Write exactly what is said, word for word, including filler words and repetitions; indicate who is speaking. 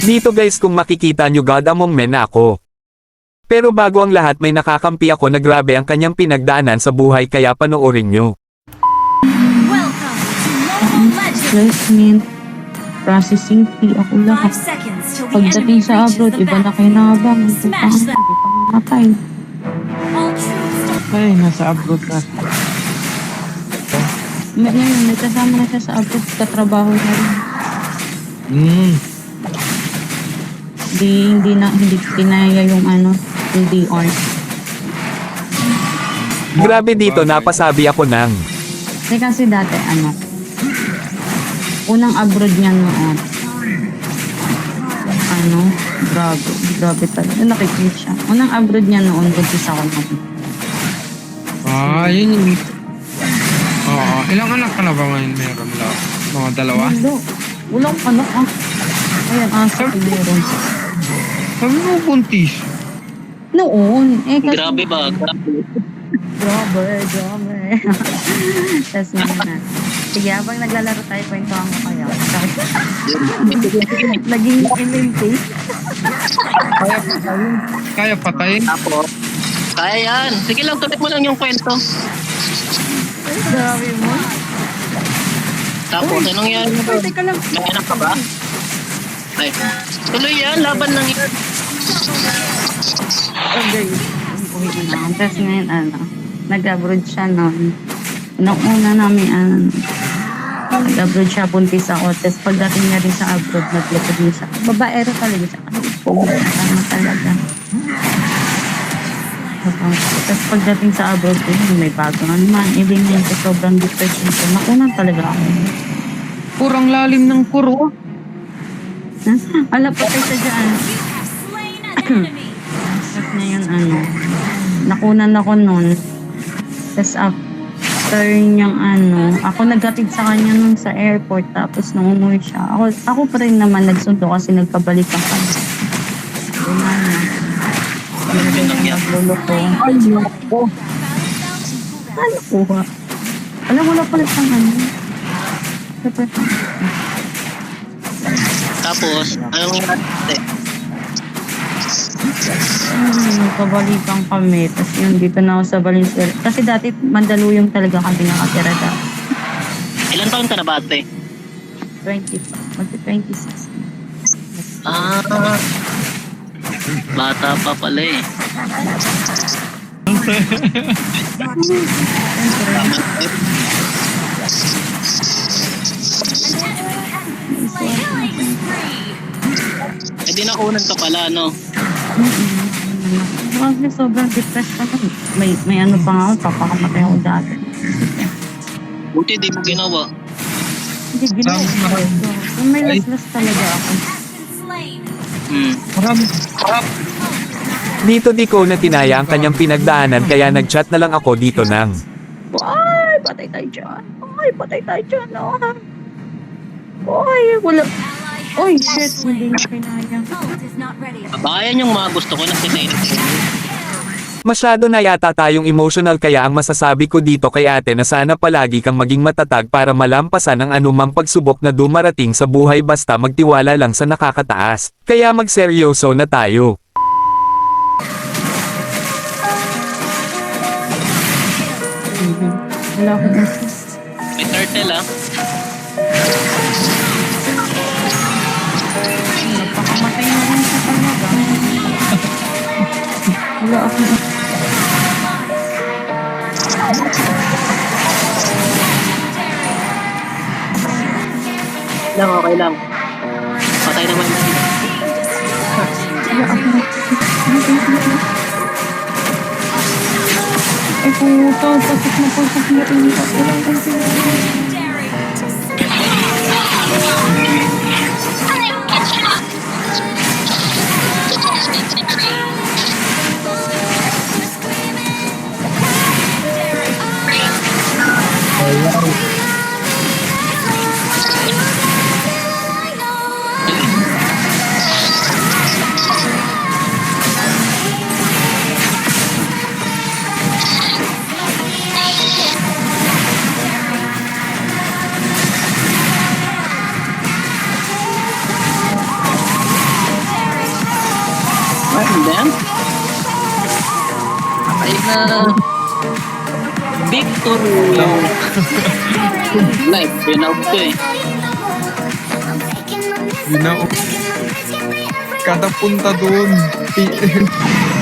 Speaker 1: Dito guys kung makikita nyo God among men ako. Pero bago ang lahat may nakakampi ako na grabe ang kanyang pinagdaanan sa buhay kaya panoorin nyo.
Speaker 2: Welcome to Mobile Legends.
Speaker 3: Placement, processing fee, ako
Speaker 2: Five
Speaker 3: lahat.
Speaker 2: seconds till the
Speaker 3: Pagdating
Speaker 2: enemy
Speaker 3: sa
Speaker 2: reaches
Speaker 3: abroad,
Speaker 2: the
Speaker 3: iba na
Speaker 2: map.
Speaker 3: kayo nakabang. Hindi pa
Speaker 2: Smash them.
Speaker 3: hindi pa mamatay.
Speaker 2: All troops
Speaker 4: Ay, nasa abroad na.
Speaker 3: May, ngayon, may kasama na siya sa abroad, katrabaho na rin.
Speaker 4: Hmm.
Speaker 3: Hindi, hindi na, hindi kinaya yung ano, yung D R.
Speaker 1: Grabe dito napasabi ako ng.
Speaker 3: Kasi kasi dati, ano, unang abroad niya noon. Ano, grabe, grabe talaga. Nakikita siya. Unang abroad niya noon, buntis ako naman.
Speaker 4: Ah, yun yung... Oo. Ilang anak ka na ba ngayon meron lang? Mga dalawa?
Speaker 3: Wala. Walang anak ah. Ayan, asa ko meron.
Speaker 4: Sabi mo buntis.
Speaker 3: Noon. Eh, kasi,
Speaker 5: Grabe ba? Grabe.
Speaker 3: Grabe, grabe. Tapos yun na. Sige, habang naglalaro tayo, kwentuhan ko kayo. Naging M M P.
Speaker 4: Kaya patayin. Kaya patayin.
Speaker 5: Tapos, kaya yan. Sige lang, tuloy mo lang yung kwento.
Speaker 3: Grabe mo.
Speaker 5: Tapos, anong yan?
Speaker 3: Ay, teka lang.
Speaker 5: May anak ka ba? Ay, tuloy yan. Laban lang yan.
Speaker 3: Okay. Tapos ngayon, ano, nag-abroad siya noon. Nung una namin, ano, nag-abroad siya, buntis ako. Tapos pagdating niya rin sa abroad, naglipod niya siya. Babaero talaga siya. Ay, po, tama talaga. Tapos pagdating sa abroad, eh, may bago na naman. Ibig niya sa sobrang depression ko. Nakunan talaga ako.
Speaker 4: Kurang lalim ng kuro.
Speaker 3: Ala, patay siya dyan.
Speaker 2: You have slain an enemy.
Speaker 3: Tapos ngayon, ano, nakunan ako nun. Tapos after niyang ano, ako naghatid sa kanya nun sa airport. Tapos nung umuwi siya, ako, ako pa rin naman nagsundo kasi nagpabalikan kami. Yun na na.
Speaker 5: Yun lang yan.
Speaker 3: Lolo ko.
Speaker 4: Ay, ako.
Speaker 3: Ano ko ha? Alam, wala pala siyang ano. Dapat,
Speaker 5: Tapos, anong nangyari?
Speaker 3: hmm, nagpabalikan kami. Tapos yun, dito na ako sa Valenzuela. Kasi dati, Mandaluyong talaga kami nakatira dati.
Speaker 5: Ilan taon ka na ba, ate?
Speaker 3: twenty, mag-twenty-six.
Speaker 5: Ah, bata pa pala eh.
Speaker 2: Killing spree.
Speaker 5: Eh di nakunan ka pala, no?
Speaker 3: Kasi sobrang depressed ako. May, may ano pa nga ako, papakamatay ako dati.
Speaker 5: Buti di mo ginawa.
Speaker 3: Hindi, ginawa ko. So, may laslas talaga ako.
Speaker 2: Has been slain.
Speaker 5: Hmm.
Speaker 4: Marami. Marami.
Speaker 1: Dito di ko na tinaya ang kanyang pinagdaanan kaya nagchat na lang ako dito ng.
Speaker 3: Ay, patay tayo dyan. Ay, patay tayo dyan. Oh. Ay, wala. Oy, shit, hindi na kinaya.
Speaker 2: Ult is not ready.
Speaker 5: Baka yan yung mga gusto ko na sinayin.
Speaker 1: Masyado na yata tayong emotional kaya ang masasabi ko dito kay ate na sana palagi kang maging matatag para malampasan ang anumang pagsubok na dumarating sa buhay basta magtiwala lang sa nakakataas. Kaya magseryoso na tayo.
Speaker 3: Wala ko na.
Speaker 5: May turtle ah.
Speaker 3: Napakamatay na rin siya talaga. Wala ako na.
Speaker 5: Lang, okay lang. Patay naman.
Speaker 3: Wala ako na. Ay, puto. Pasok na pasok na rin. Wala ko na.
Speaker 5: Hindi yan. Patay na. Victory. Life, pinaw ko eh.
Speaker 4: Yun na. Kada punta doon.